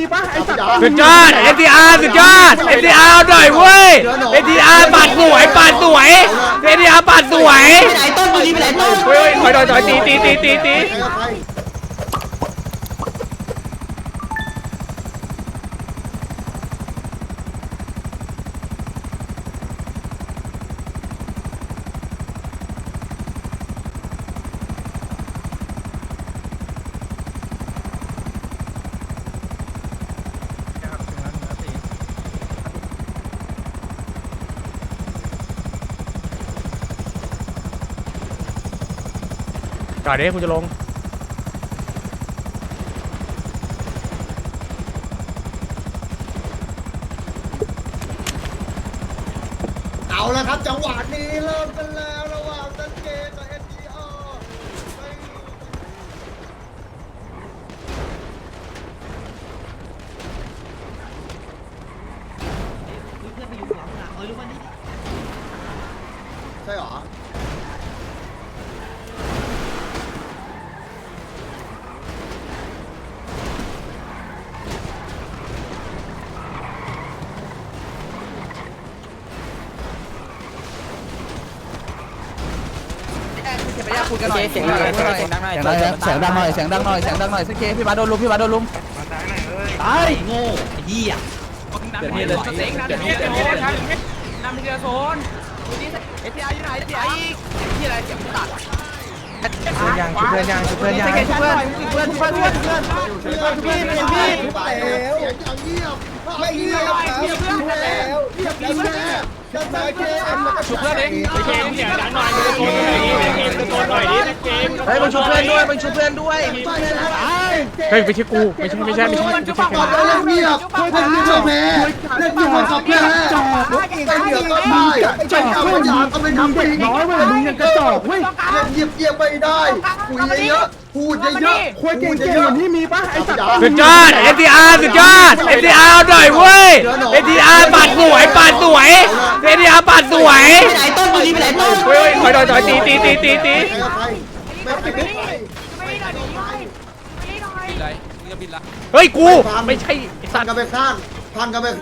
สุดยอด NTR สุดยอด NTR หน่อยเว้ย NTR ปัดสวยปัดสวย NTR ปัดสวยไหนต้นดีไปไหนต้นเฮ้ยถอยตีจอดดิกูจะลงเอาละครับจังหวะนี้เริ่มกันแล้วระหว่างซันเกกับ NTR ใช่หรอคุยกันหน่อยเสียงดังหน่อยเสียงดังหน่อยเสียงดังหน่อยเสียงดังหน่อยเสียงดังหน่อยสักเคพี่บาโดนลุมพี่บาโดนลุมตายโง่ไอ้เหี้ยเดี๋ยวนี้เลยเดี๋ยวนี้นำทีละโซนเอทีอาร์อยู่ไหนที่อะไรเสียงตัดยังเพื่อนยังเพื่อนยังเพื่อนพี่ไปแล้วเสียงอย่างเงียบไม่เงียบแล้วเงียบแล้วจะตายเกมชุบเพื่อนเองเกมเสียงดังหน่อยตะโกนหน่อยดิเกมเฮ้ยมันชุบเพื่อนด้วยมันชุบเพื่อนด้วยเฮ้ยไม่ใช่กูไม่ใช่เล่นเงียบเล่นเงียบแพ้เล่นเงียบกับแพ้ไปเดี๋ยวก็ได้ไปเอาปัญญาก็ไม่ทำจริงน้อยเว้ยมึงยังกระจอกเว้ยเล่นเงียบไม่ได้คุยเยอะพูดเยอะคุยเก่งๆที่มีป่ะไอ้สัตว์สุดยอด NTR สุดยอด NTR หน่อยเว้ย NTR ปัดสวยปัดสวย NTR ปัดสวยไปไหนต้นดีไปไหนต้นเฮ้ยถอยตีเฮ้ยกูไม่ใช่ไอ้สัพัตนว์กันไปข้างพันกันไป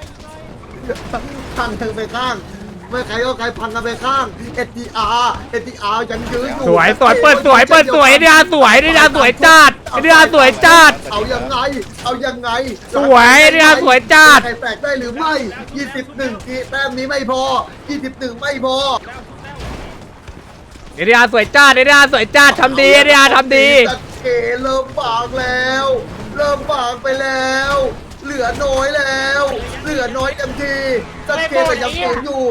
ข้างไม่ใครก็ใครพันกันไปข้าง NTR ยังยืนอยู่สวยเปิดสวยNTR สวยNTR สวยจัด NTR สวยจัดเอายังไงสวย NTR สวยจัดใครแตกได้หรือไม่21ทีแต้มนี้ไม่พอ21ไม่พอ NTR สวยจัด NTR สวยจัดทำดี NTR ทำดีเกเริ่มบางแล้วเริ่มบางไปแล้วเหลือน้อยแล้วเหลือน้อยเต็มทีสักเกแต่ยังฝืนอยู่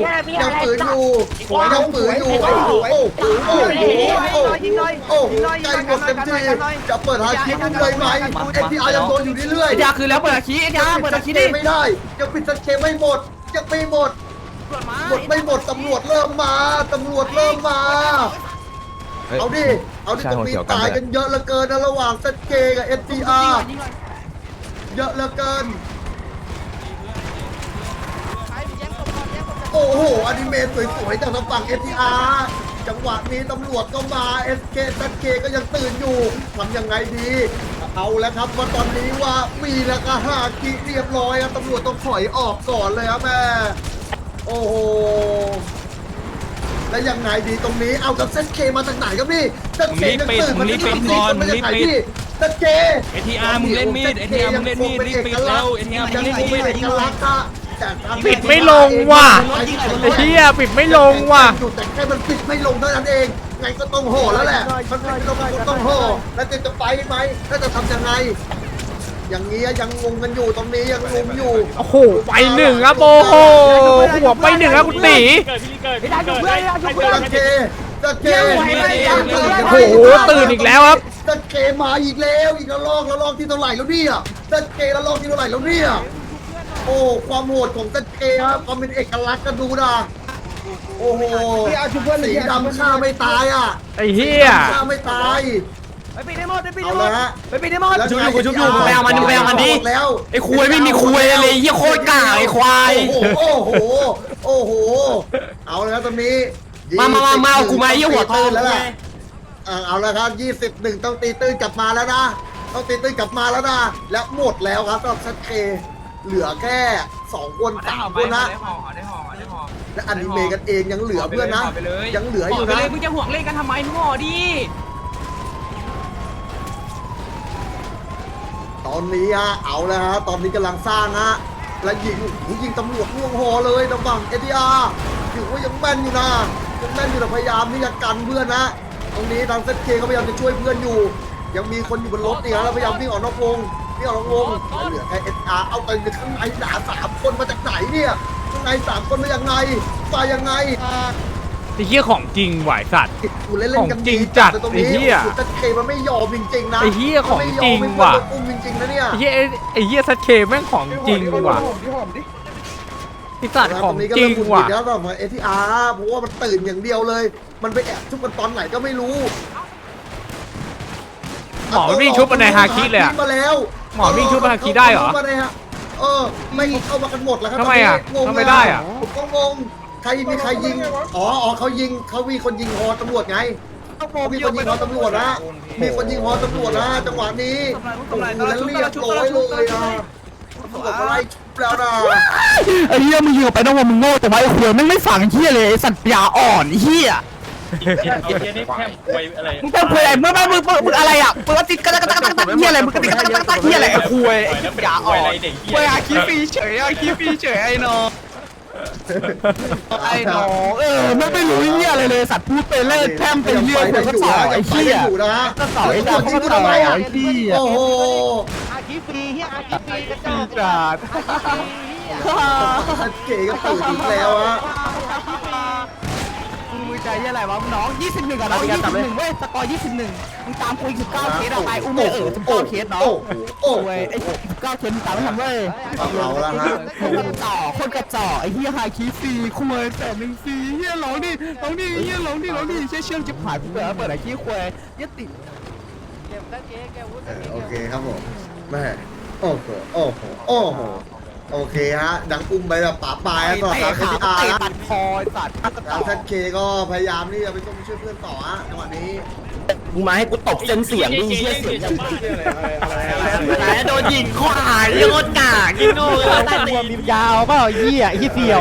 โอ้โหใจหมดเต็มทีจะเปิดหาคิดเลยไหมNTRยังโดนอยู่เรื่อยๆNTRคือแล้วเปิดหาคิดNTRเปิดหาคิดดิไม่ได้ยังปิดสักเกไม่หมดยังไม่หมดไม่หมดตำรวจเริ่มมาเอาดิจะมีตายกันเยอะเหลือเกินนะระหว่างสักเกกับ NTR เยอะเหลือเกินโอ้โหอนิเมะสวยๆจากทางฝั่ง NTR จังหวะนี้ตำรวจก็มา SK ซันเคก็ยังตื่นอยู่ทำยังไงดีเอาแล้วครับว่าตอนนี้ว่ามีแล้วก็ฮาคิเรียบร้อยครับตำรวจต้องถอยออกก่อนเลยครับแม่โอ้โหแล้วยังไงดีตรงนี้เอากับซันเคมาจากไหนครับพี่ซันเคยังตื่นมันไม่ปิดก่อนมันจะไหนพี่ซันเค NTR มึงเล่นมีด NTR มึงเล่นมีดรีบปิดแล้ว NTR มึงเล่นมีดปิดไม่ลงว่ะไอ้เหี้ยปิดไม่ลงว่ะแต่แค่มันปิดไม่ลงเท่านั้นเองไงก็ต้องโห่แล้วแหละมันปิดไม่ลงก็ต้องโห่แล้วจะไปไหมแล้วจะทำยังไงอย่างนี้ยังงงกันอยู่ตรงนี้ยังงงอยู่โอ้โหไปหนึ่งครับโอ้โหหัวไปหนึ่งครับคุณตีตะเคโอ้โหตื่นอีกแล้วครับตะเคมาอีกแล้วอีกระลอกที่เท่าไหร่แล้วเนี่ยตะเคระลอกที่เท่าไหร่แล้วเนี่ยโอ้ความโหดของตะเคครับความเป็นเอกลักษณ์กันดูนะโอ้โหสีดำฆ่าไม่ตายอ่ะไอ้เหี้ยฆ่าไม่ตายไปปิดได้หมดไปปิดได้หมดชุบอยู่มึงไปเอามันดิแล้วไอ้คุยไม่มีคุยเลยเหี้ยโคตรกากไอ้ควายโอ้โหเอาแล้วตอนนี้มากูมาเยี่ยหัวโตแล้วแหละเอาแล้วครับ21ต้องตีตื้นกลับมาแล้วนะต้องตีตื้นกลับมาแล้วนะและหมดแล้วครับสำหรับซัดเคเหลือแค่2คน3คนนะและอนิเมะกันเองยังเหลือเพื่อนนะยังเหลืออยู่นะมึงจะห่วงเล่นกันทำไมมึงห่อดิตอนนี้ฮะเอาแล้วฮะตอนนี้กำลังสร้างฮะและยิงตำรวจล่วงหอเลยทางฝั่งเอทีอาร์ถือว่ายังแม่นอยู่นะยังแม่นอยู่แต่พยายามที่จะกันเพื่อนนะตรงนี้ทางเซตเคเขาพยายามจะช่วยเพื่อนอยู่ยังมีคนอยู่บนรถนี่ฮะแล้วพยายามวิ่งออกนอกวงเหลือแค่เอทีอาร์เอาไปข้างในหนา3 คนมาจากไหนเนี่ยข้างใน3 คนมายังไงมายังไงไอ้เหี้ยของจริงไหวสัตว์กูเล่นกันจริงจัดตรงไอ้นี้เหี้ยเซตเคมันไม่ยอมจริงๆนะไอ้เหี้ยของจริงว่ะไม่ยอมให้เพื่อนโดนอุ้มจริงๆนะเนี่ยไอ้เหี้ยซัดเคแม่งของจริงว่ะไอ้สัตว์ของจริงว่ะแล้วแบบเอทีอาร์เพราะว่ามันตื่นอย่างเดียวเลย มันไปแอบชุบกันตอนไหนก็ไม่รู้หมอมันวิ่งชุบมาในฮาคิเลยอะมาแล้วหมอวิ่งชุบมาฮาคิได้เหรอไม่เข้ามากันหมดแล้วครับทำไมอะงงทำไมได้อะผมก็งงใครมีใครยิงอ๋อเขามีคนยิงฮอตำรวจไงมีคนยิงฮอตำรวจนะมีคนยิงฮอตำรวจนะจังหวะนี้โอ้โหแล้วเรียบร้อยเลยนะตำรวจอะไรชุบแล้วนะไอ้เหี้ยมึงยิงออกไปต้องว่ามึงโง่แต่ว่าไอ้ขวยแม่งไม่ฝังเหี้ยเลยไอ้สัตว์ปัญญาอ่อนไอ้เหี้ยมึงเป็นขวยอะไรมึงอะไรอ่ะมึงติดกระตักเหี้ยอะไรมึงติดกระตักเหี้ยอะไรไอ้ขวยไอ้ปัญญาอ่อนขวยอาคีฟีเฉยไอ้น้องมันไม่รู้เหี้ยอะไรเลยสัตว์พูดไปเล่นแพร่มไปเรื่อยคนก็ต่อไอ้เหี้ยอยู่นะก็ต่อไอ้ดาวก็ต่อไอ้เหี้ยโอ้โหจัดเก๋ก็ตื่นอีกแล้วฮะมือใจอะไรวะน้อง21อ่ะน้อง21เว้ยสกอร์21มึงตามกู19เคสอ่ะตายอุ้มไม่19เคสน้องโอ้ยไอ้19เคสมึงตามไม่ทันเว้ยเอาละฮะคนกระจอกไอ้เหี้ยหาคีฟรีคุยแต่หนึ่งฟรีเหี้ยร้องดิเหี้ยร้องดิเชื่อจะผ่านกูเปิดไอ้ขี้คุยยึดติดโอเคครับผมแม่โอ้โหโอเคฮะดังอุ้มไปแบบป่าปลายแล้วก็ทางเตะ NTR ตัดคอสัตว์ทาง ZK ก็พยายามที่จะไปช่วยเพื่อนต่อฮะจังหวะนี้มึงมาให้กูตบเส้นเสียงดิเหี้ยเสียงโดนยิงขวาโยนกากยิงโง่ตัดหัวมียาวเปล่าเหี้ยเสี่ยว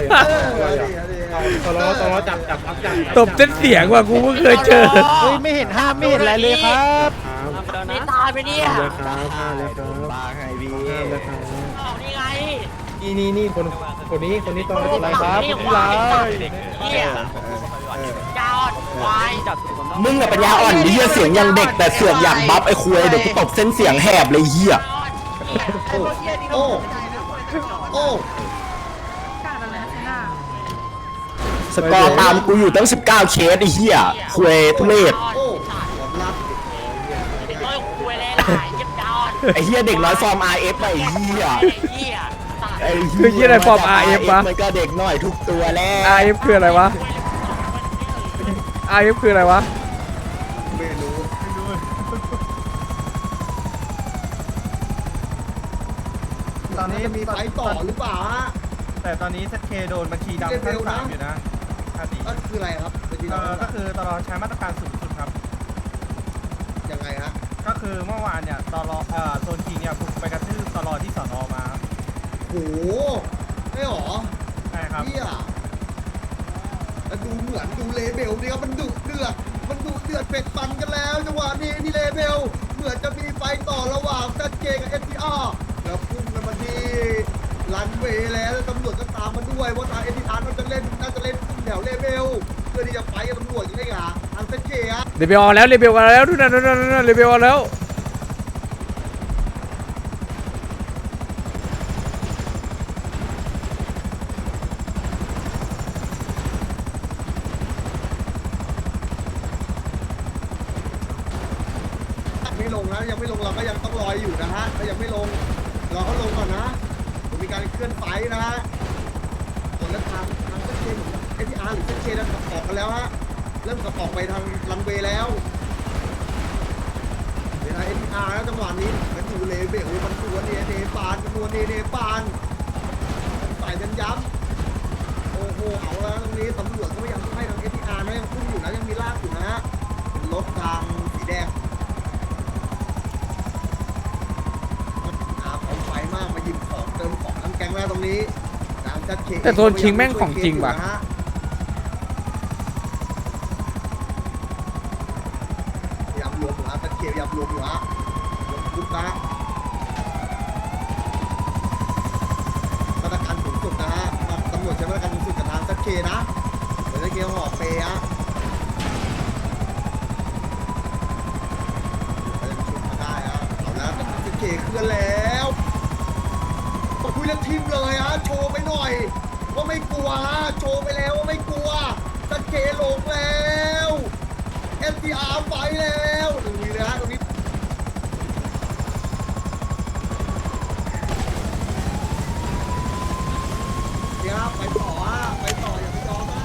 ตบเส้นเสียงว่ะกูเพิ่งเคยเจอเฮ้ยไม่เห็นห้ามไม่เห็นอะไรเลยครับไม่ตายไปเนี่ยบ้าไงพี่นี่ไงนี่คนนี้ตอนนี้อะไรครับพี่ไรเนี่ยจอดควายจับมึงอะปัญญาอ่อนเหี้ยเสียงยังเด็กแต่เสือกอยากบัฟไอ้คุยเดี๋ยวกูตบเส้นเสียงแหบเลยเหี้ยโอ้สกอร์ตามกูอยู่ตั้ง19เคสไอ้เหี้ยคุยทุเรศผมรับโอ้ยคุยเลยล่ะเย็บจอดไอ้เหี้ยเด็กน้อยฟอร์ม RF ไอ้เหี้ยเหี้ยคือเหี้ยอะไรฟอร์ม RF วะมันก็เด็กน้อยทุกตัวแล้ว RF คืออะไรวะ RF คืออะไรวะไม่รู้ตอนนี้มีไฟต่อหรือเปล่าฮะแต่ตอนนี้ ZK โดนบัญชีดำขั้นสามอยู่นะอาติก็คืออะไรครับเมื่อกี้ก็คือตลอดใช้มาตรการสูงสุดครับยังไงฮะก็คือเมื่อวานเนี่ยตลอโซนทีเนี่ยบุกไปกระทืบตลอที่สอนอมาโหไม่หรอใช่ครับเฮียแล้วดูเหมือนดูเลเบลนี่ครับมันดุเดือดเป็ดปันกันแล้วจังหวะนี้นี่เลเบลเหมือนจะมีไฟต่อระหว่างซัดเกกับ NTR แล้วพุ่งกันมาที่รันเวย์แล้วตำรวจก็ตามมาด้วยว่าทาง NTR น่าจะเล่นแถวเลเบลเพื่อที่จะไฟกับตำรวจยังไงอ่ะทางซัดเกอะเรเบลเอาแล้วเรเบลเอาแล้วดูนั่นเรเบลเอาแล้วไม่ลงนะยังไม่ลงเราก็ยังต้องรออยู่นะฮะถ้ายังไม่ลงเราก็ลงก่อนนะมีการเคลื่อนไฟนะฮะส่วนแล้วทางเส้นเคเหมือน NTR หรือเส้นเคนั้นออกกันแล้วฮะเริ่มกับออกไปทางรันเวย์แล้วเดี๋ยวนะ NTR นะจังหวะนี้มันอยู่เลเบลมันตัวเนปานใส่กันย้ำโอ้โหเอาแล้วตรงนี้ตำรวจก็พยายามให้ทาง NTR นะยังพุ่งอยู่นะยังมีลากอยู่นะฮะรถทางสีแดงมากมาหยิบของเติมของทั้งแก๊งแล้วตรงนี้ทางชัดเคแต่โซนคิงแม่งของจริงว่ะพยายามรวมอยู่ฮะชัดเคพยายามรวมอยู่ฮะรวมคุกนะมาตรการสูงสุดนะฮะตำรวจใช้มาตรการสูงสุดกับทางชัดเคนะเดี๋ยวชัดเคห่อเปย์ฮะมาได้ฮะเอาแล้วแต่ชัดเคเคลื่อนแล้วคุยเรื่องทีมเลยฮะโชว์ไปหน่อยว่าไม่กลัวฮะโชว์ไปแล้วว่าไม่กลัวชัดเคลงแล้ว FTR ไปแล้วตรงนี้เลยฮะตรงนี้เนี่ยไปต่อฮะไปต่ออย่าไปยอมฮะ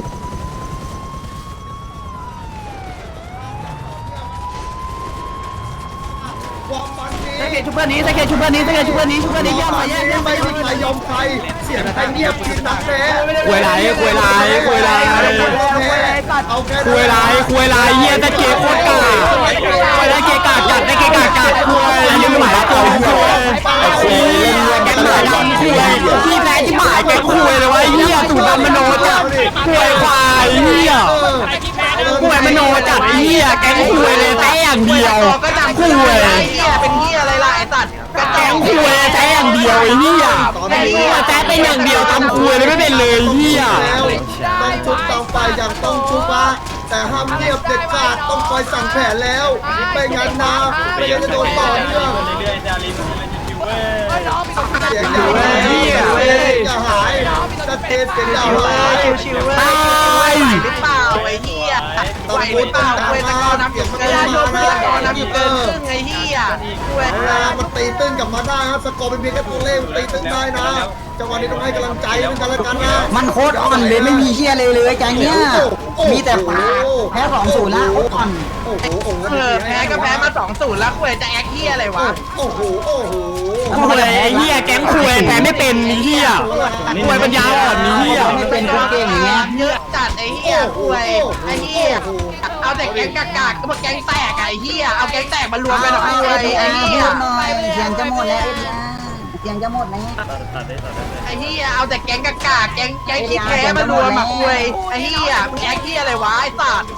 ความมันนี้สเกตชุบเพื่อนนี้สเกตชุบเพื่อนนี้สเกตชุบเพื่อนนี้ชุบเพื่อนนี้เยี่ยมหน่อยเยี่ยมเยี่ยมไม่มีใครยอมใครเสียงใครเงียบกินนักแท้ควยไรควยไรควยไรเอาแค่ควยไรควยไรเฮียตะเกียบโคตรกาควยไรเกกาจัดตะเกกาจัดควยยังไม่ไหวแล้วต่อควยควยแกงหมาดำควยที่แพ้ที่หมายแกงควยเลยวะเฮียสูดดำมโนจัดควยควายเฮียควยมโนจัดเฮียแกงควยเลยแต่อย่างเดียวควยเป็นเหี้ยอะไรล่ะไอ้สัตว์แกงควยแต่อย่างเดียวไอ้เฮียแต่เป็นอย่างเดียวทำควยเลยไม่เป็นเลยเฮียต้องชุบต้องไปอย่างต้องชุบอะแต่ห้ามเงียบเด็ดขาดต้องคอยสั่งแผนแล้วไม่งั้นนะไม่งั้นจะโดนต่อเนื่องเรื่อยๆจารินเว้ยเสียงอย่าหายจะเทเสียงอย่าหายตายหรือเปล่าไอ้เหี้ยต้องพูดต้องดังนะเสียงมันต้องมานะไอ้เหี้ยมันตีตื้นกลับมาได้ครับสกอร์เป็นเพียงแค่ตัวเลขตีตื้นได้นะจังหวะนี้ต้องให้กำลังใจกันและกันนะมันโคตรอ่อนเลยไม่มีเหี้ยเลยแกเนี้ยมีแต่ปากแพ้2-0แล้วอ่อนโอ้โหโอ้โหแพ้ก็แพ้มา2-0แล้วคุยจะแอคเหี้ยอะไรวะโอ้โหโอ้โหควยไอ้เฮียแกงควยแต่ไม่เป็นไอ้เฮียควยปัญญาอ่อนไอ้เฮียไม่เป็นคนเก่งอย่างเงี้ยเยอะจัดไอ้เหี้ยคุยไอ้เหี้ยเอาแต่แก๊งกากๆก็มาแก๊งแตกไอ้เหี้ยเอาแก๊งแตกมารวมกันหน่อยไอ้เหี้ยหน่อยเสียงจะหมดแล้วเสียงจะหมดแล้วไอ้เหี้ยเอาแต่แก๊งกากๆแก๊งขี้แพ้มารวมมาคุยไอ้เหี้ยแก๊งเหี้ยอะไรวะไอ้สัตว์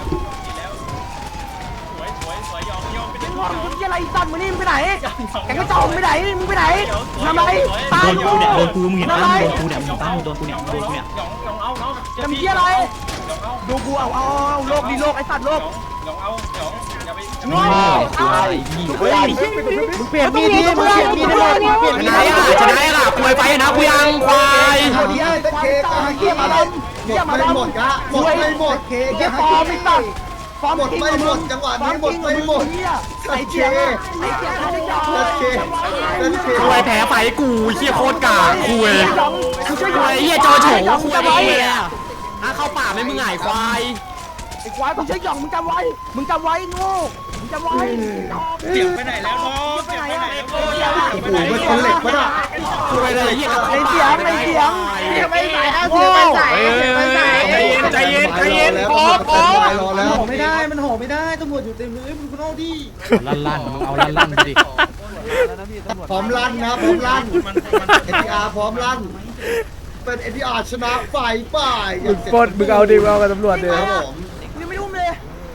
สวยยอมไปดิมึงอะไรสัตว์มึงนี่มึงไปไหนแก๊งกระจอกมึงไปไหนมึงไปไหนทำไรตายอยู่โดนกูมึงเห็นปะโดนกูเนี่ยมึงตั้งโดนกูเนี่ยโดนกูเนี่ยหยองเอาเนาะทำเหี้ยอะไรดูกูเอาโลกดีโลกไอ้สัตว์โลกหยองเอาหยองอย่าไปโง่ตายมึงเปลี่ยนมีดดิมึงเปลี่ยนมีดได้เลยเปลี่ยนชมีดนะได้อ่ะชนะอ่ะควยไปนะกูยังควายคนที่ให้ตะเคกาเกียมาดมหมดไม่หมดกะหมดไม่หมดเคเหี้ยฟอร์มไอ้สัตว์ฟอร์มหมดไม่หมดจังหวะนี้หมดไม่หมดไอ้เหี้ยไอ้เหี้ยไม่ได้ยอมตะเคตะเคควยแพ้ไฟกูเฮียโคตรกาควยควยเฮียจอโฉควยเฮียเข้าป่าไม่มึงหงายควายไอ้ควายมึงใช่หยองมึงจำไว้โง่มึงจำไว้เสียงไปไหนแล้วน้องเสียงไปไหนแล้วโอ้โหมันคนเหล็กปะน่ะควยเลยเฮียไอ้เสียงไม่ใส่เอาเสียงไม่ใส่ใจเย็นรอแล้วโหไม่ได้มันโหไม่ได้ตำรวจอยู่เต็มเลยมึงเอาดิลั่นมึงเอาลั่นดิพร้อมลั่นนะพร้อมลั่น NTR พร้อมลั่นเป็น NTR ชนะฝ่ายป่ายปดมึงเอาดิมึงเอากับตำรวจดิครับผมยังไม่รู้เลย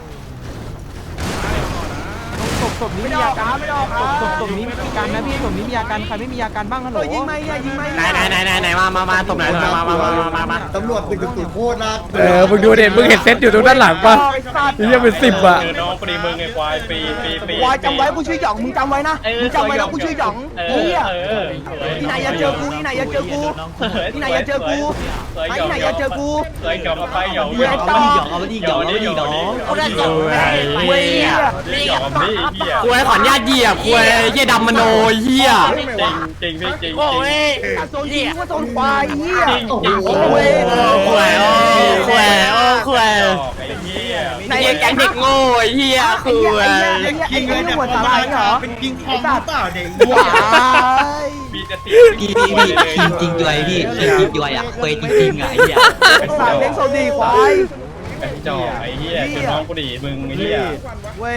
ศพนี้มีอาการไม่ออกศพนี้มีอาการนะพี่ศพนี้มีอาการใครไม่มีอาการบ้างฮัลโหลยิงไหมไหนมาตบไหนมาตำรวจ1-0โคตรนะมึงดูเด็ดมึงเห็นเซตอยู่ตรงด้านหลังป่ะนี่ยังเป็น10อ่ะน้องปรีมึงไอ้ควายปีควายจำไว้กูชื่อหยองมึงจำไว้นะมึงจำไว้นะกูชื่อหยองเฮียที่ไหนอย่าเจอกูที่ไหนอย่าเจอกูที่ไหนอย่าเจอกูที่ไหนอย่าเจอกูเคยหยองไปหยองเว้ยต่อเอาไปดิหยอกเอาไปดิหยอกเขาได้จบเว้ยหยองนี่เหี้ยควยขอนญาติเหยียบควยเฮียดำมโนเฮียจริงพี่จริงโซนยิงว่าโซนควายเฮียโอ้โหเว้ยควยควยไอ้เหี้ยในแก๊งเด็กโง่เฮียควยไอ้นี่หัวสาลายเหรอเป็นกิงคองหรือเปล่าเด็กว้ายมีจะตีพี่ทีมจริงด้วยพี่ทีมจริงด้วยอ่ะเฟยจริงๆอ่ะไอ้เหี้ยสายเลี้ยงโซดีควายไอ้จอกไอ้เหี้ยจะน้องกูดีมึงไอ้เหี้ยเว้ย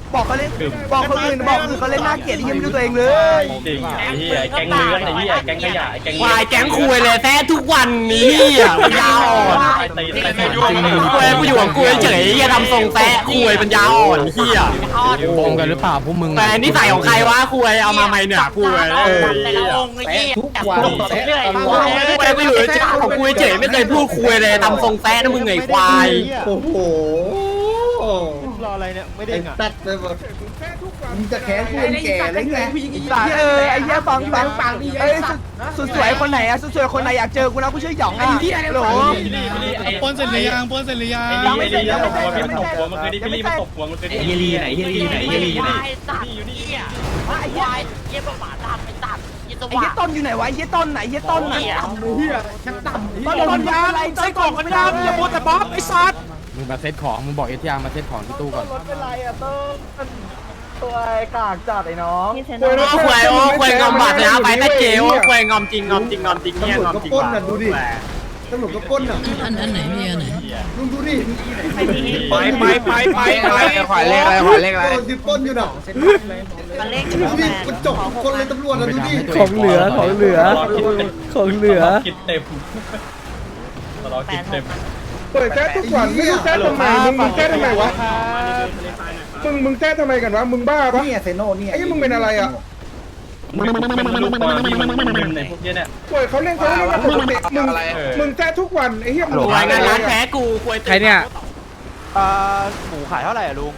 บอกเขาเล่นบอกคนอื่นบอกคือเขาเล่นน่าเกลียดยังไม่รู้ตัวเองเลยจริงไอ้เหี้ยแก๊งเลื้อนไอ้เหี้ยแก๊งขยะแก๊งวายแก๊งคุยเลยแท้ทุกวันนี้อ่ะปัญญาอ่อนตีคุยกูอยู่กับกูเฉยๆอย่าทำทรงแท้คุยปัญญาอ่อนเฮียบงกันหรือเปล่าพวกมึงแต่นิสัยของใครวะคุยเอามาใหม่เนี่ยคุยแต่ละองค์ไอ้ยี่ทุกวันแซะตลอดคุยกูอยู่เฉยๆของกูเฉยๆไม่เคยพูดคุยเลยทำทรงแท้นะมึงไงควายโอ้โหรออะไรเนี่ยไม่ได้ไอ้งอ่ะแป๊ดเลยหมดมึงจะแค้นกูเป็นแก่เลยไงไอ้เหี้ยฟังเอ้ยสุดสวยคนไหนอะสุดสวยคนไหนอยากเจอกูนะกูชื่อหยองไอ้เหี้ยโหลปนเสร็จหรือยังปนเสร็จหรือยังไอ้เหี้ยตบหัวมันตบหัวมันคือดิพี่ลี่มันตบหัวมันคือดิเฮียลีไหนเฮียลีไหนเฮียลีไหนตัดเนี่ยไอ้ควายเยี่ยมหมาดำไปตัดยี่ตัวไอ้เหี้ยต้นอยู่ไหนวะไอ้เหี้ยต้นไหนไอ้เหี้ยต้นไหนต้นยาอะไรไส้กรอกมันดำอย่าพูดแต่บ๊อบไอ้สัตว์มึงมาเซ็ตของมึงบอกเอทีอาร์มาเซ็ตของที่ตู้ก่อนรถเป็นไรอ่ะต้นตัวกากจัดไอ้น้องโอ้คุยงอมบาดนะไปแต่เกลคุยงอมจริงเนี่ยงอมจริงตำรวจว่ะก็ปล้นน่ะดูดิตำรวจก็ปล้นน่ะอันไหนพี่อันไหนลุงดูดิไปขวายเลขอะไรขวายเลขอะไรโดนดิปล้นอยู่น่ะมันเล็กดูดิมันจบคนเลยตำรวจน่ะดูดิของเหลือของเหลือคิดเต็มตลอดคิดเต็มเปิดแจ๊ทุกวันไม่รู้แจ๊ทำไมมึงแจ๊ทำไมวะมึงแจ้ทำไมกันวะ มึงบ้าปะนี่เซโน่นี่ไอ้มึงเป็นอะไรอ่ะมันลูกบอลนี่มันในพวกเนี้ยเนี่ยป่วยเขาเล่นกันปกติมึงแจ้ทุกวันไอ้เหี้ยมึงรายงานร้านแพ้กูคุยใครเนี่ยหมูขายเท่าไหร่อ่ะลุง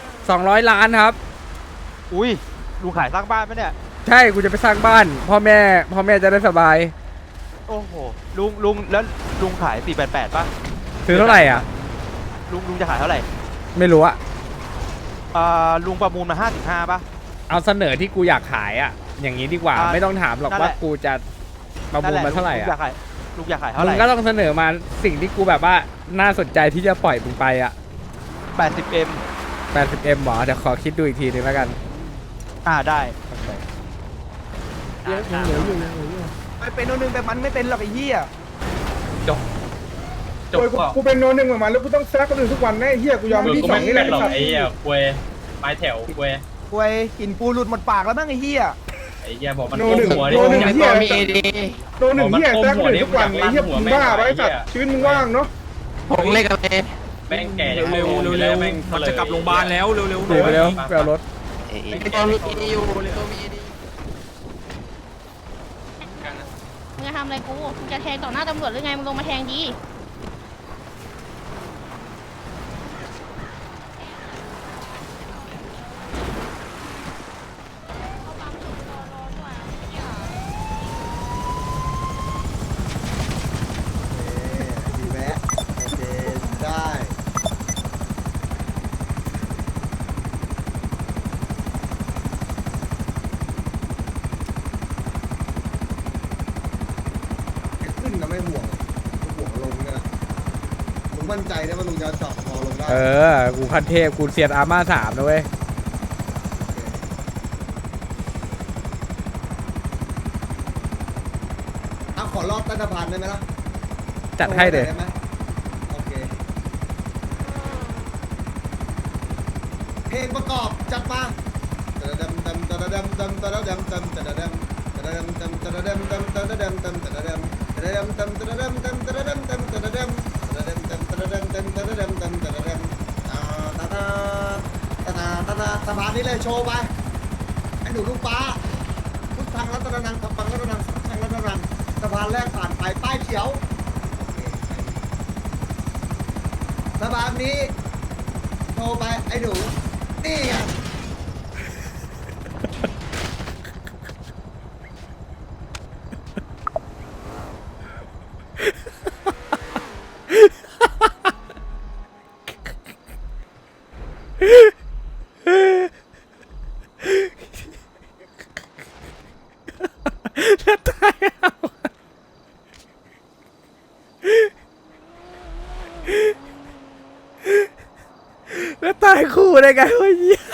200 ล้านครับอุ้ยลุงขายสร้างบ้านไหมเนี่ยใช่กูจะไปสร้างบ้านพ่อแม่จะได้สบายโอ้โหลุงแล้วลุงขาย488ป่ะซื้อเท่าไหร่อ่ะลุงจะขายเท่าไหร่ไม่รู้อะลุงประมูลมา55ป่ะเอาเสนอที่กูอยากขายอ่ะอย่างนี้ดีกว่าไม่ต้องถามหรอกว่ากูจะประมูลมาเท่าไหร่อ่ะลุงอยากขายเท่ามึไหร่งก็ต้องเสนอมาสิ่งที่กูแบบว่าน่าสนใจที่จะปล่อยมึงไปอ่ะ 80M 80M หมอเดี๋ยวขอคิดดูอีกทีนึงแล้วกันได้ไปเป็นโนนึงแต่มันไม่เป็นหรอกไอ้เหี้ยจบกูเป็นโนหนึ่งเหมือนมันแล้วกูต้องแซกคนอื่นทุกวันแน่เหี้ยกูยอมมึงที่ก็สอไม่งนี่เป็แหนละหรอกไอ้เหี้ยควยปลายแถวควยควยกินปูหลุดหมดปากแล้วมั้งไอ้เหี้ยไอ้เหี้ยบอกมันโนก้หนึ่งมหัวดิโนหนึ่งเหี้ยมีเอดีโนหนึ่งเหี้ยแซกคนอื่นทุกวันไอ้เหี้ยมึงบ้าปะไอ้สัตว์ชีวิตมึงว่างเนาะผมเลขอะไรแม่งแก่เร็วแม่งจะกลับโรงพยาบาลแล้วเร็วดูไปเร็วไปเอารถมึงจะทำอะไรกูมึงจะแทงต่อหน้าตำรวจหรือไงมึงลงมาแทงดีดีแวะโอเคได้ขึ้นก็ไม่ห่วงห่วงลงเนี่ยมึงมั่นใจได้ว่าลุงจะเจาะคอลงได้กูคันเทพกูเซียนอาร์มา3นะเว้ยเอาขอรอบใต้สะพานได้ไหมล่ะจัดให้เลยได้ไหมโอเคเพลงประกอบจัดมาตะดำดำตะดำดำตะดำดำตะดำตะดำดำตะดำดำตะดำดำตะดำตะดำดำตะดำดำตะดำดำตะดำตะดำดำตะดำดำตะดำดำตะดำดำตะดำตะดำสะพานนี้เลยโชว์ไปไอ้หนูลูกป้าพุทธังรัตนังสัพพังรัตนังสัพพังรัตนังสะพานแรกผ่านไปป้ายเขียวสะพานนี้โทรไปไอ้หนูนี่ไงแล้วตายคู่ได้ไงวะเหี้ย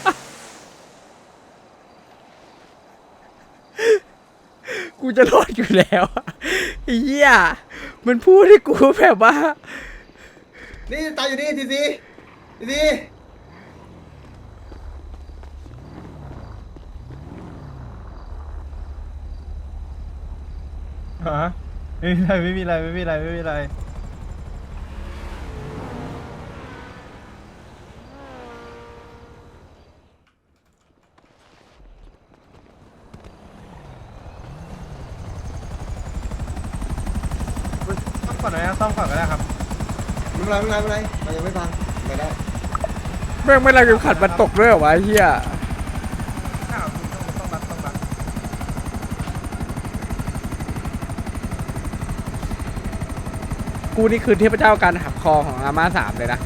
กูจะรอดอยู่แล้วอะไอ้เหี้ยมันพูดให้กูแบบว่านี่ตายอยู่นี่ทีซีทีซีฮะไม่มีอะไรต้องก่อนนะต้องก่อนก็ได้ครับไม่เป็นไรมันยังไม่พังไปได้แม่งไม่ไรกูขัดมันตกด้วยเหรอวะเฮียต้องรักกูนี่คือเทพเจ้าการหักคอของอาม่า3เลยนะ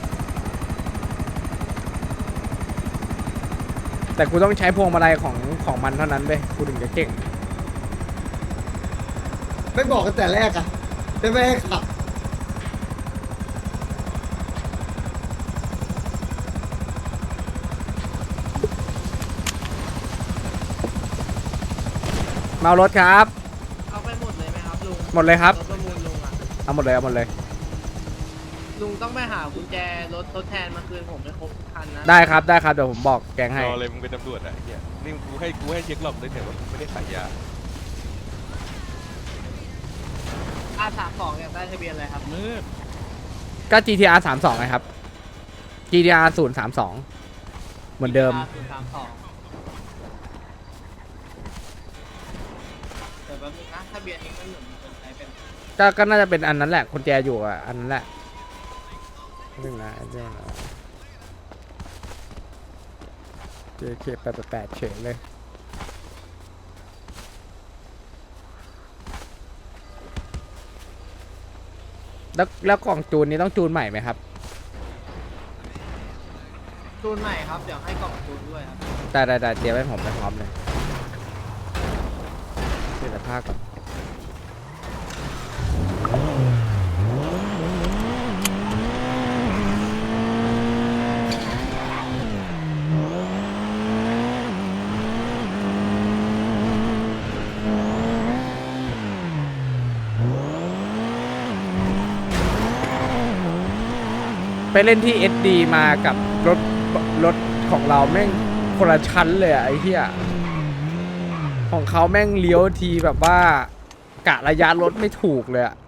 แต่กูต้องใช้พวงมาลัยของมันเท่านั้นเว้ยกูถึงจะเก่งไม่บอกกันแต่แรกอะไม่ให้ขับเมารถครับเอาไปหมดเลยไหมครับลุงหมดเลยครับรถประมูลลุงอ่ะเอาหมดเลยลุงต้องไปหากุญแจรถทดแทนมาคืนผมไม่ครบทุกคันนะได้ครับเดี๋ยวผมบอกแกงให้รอเลยมึงเป็นตำรวจอ่ะไอ้เหี้ยนี่กูให้เช็คหลอกเลยแต่ว่าไม่ได้ขายยา R32อยากได้ทะเบียนอะไรครับก็ GTR 32ไงครับ GTR 032เหมือนเดิม 032แต่แป๊บนึงนะทะเบียนนี้มันเหมือนใช้เป็นก็น่าจะเป็นอันนั้นแหละคนแจอยู่อ่ะอันนั้นแหละเรื่องนะJK 888เฉยเลยแล้วกล่องจูนนี้ต้องจูนใหม่ไหมครับจูนใหม่ครับ เดี๋ยวให้กล่องจูนด้วยครับได้เตรียมให้ผมไปพร้อมเลยเปลี่ยนผ้าก่อนไปเล่นที่ SD มากับรถของเราแม่งคนละชั้นเลยอะไอ้เหี้ยของเขาแม่งเลี้ยวทีแบบว่ากะระยะรถไม่ถูกเลยอะ